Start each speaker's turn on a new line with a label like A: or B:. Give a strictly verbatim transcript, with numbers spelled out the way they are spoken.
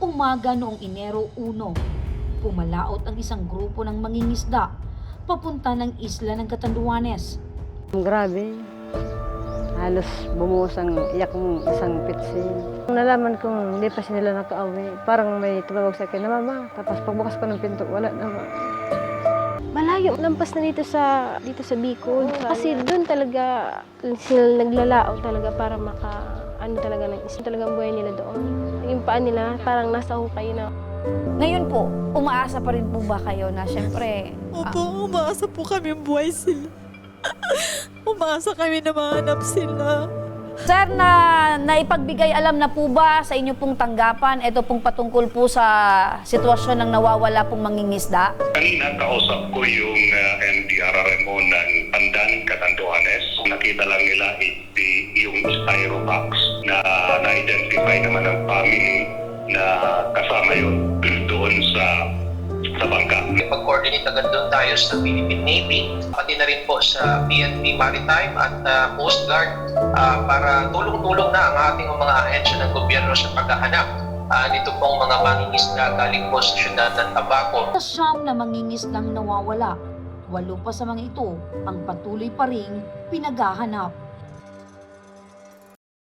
A: Umaga noong Enero one, pumalaot ang isang grupo ng mangingisda papunta ng isla ng Catanduanes.
B: Grabe. Halos bumuhos ang iyak mong isang pitsi. Nalaman kong hindi pa sila nakauwi. Parang may tumawag sa akin na mama. Tapos pagbukas ko ng pinto, wala naman.
C: Malayo, lampas na dito sa dito sa Bicol. Kasi doon talaga sila naglalao talaga para maka ano talaga ng isa talagang buhay nila doon. Yung paan nila parang nasa hukay na.
A: Ngayon po, umaasa pa rin po ba kayo na siyempre...
D: Opo, umaasa po kami buhay sila. Umaasa kami na mahanap sila.
A: Sir, na naipagbigay alam na po ba sa inyo pong tanggapan, ito pong patungkol po sa sitwasyon ng nawawala pong mangingisda?
E: Kanina kausap ko yung uh, N D R R M O ng Pandan, Catanduanes. Nakita lang nila iti, yung styrobox na na-identify naman ng family na kasama yun doon sa sa bangka.
F: Pag-coordinate agad doon tayo sa Philippine Navy, pati na rin po sa P N P Maritime at uh, Coast Guard uh, para tulong-tulong na ang ating mga ahensya ng gobyerno sa paghahanap uh, nito pong mga mangingisda galing po sa syudad ng Tabaco.
A: Sa siyam na mangingisdang nawawala, walo pa sa mga ito ang patuloy pa ring pinaghahanap.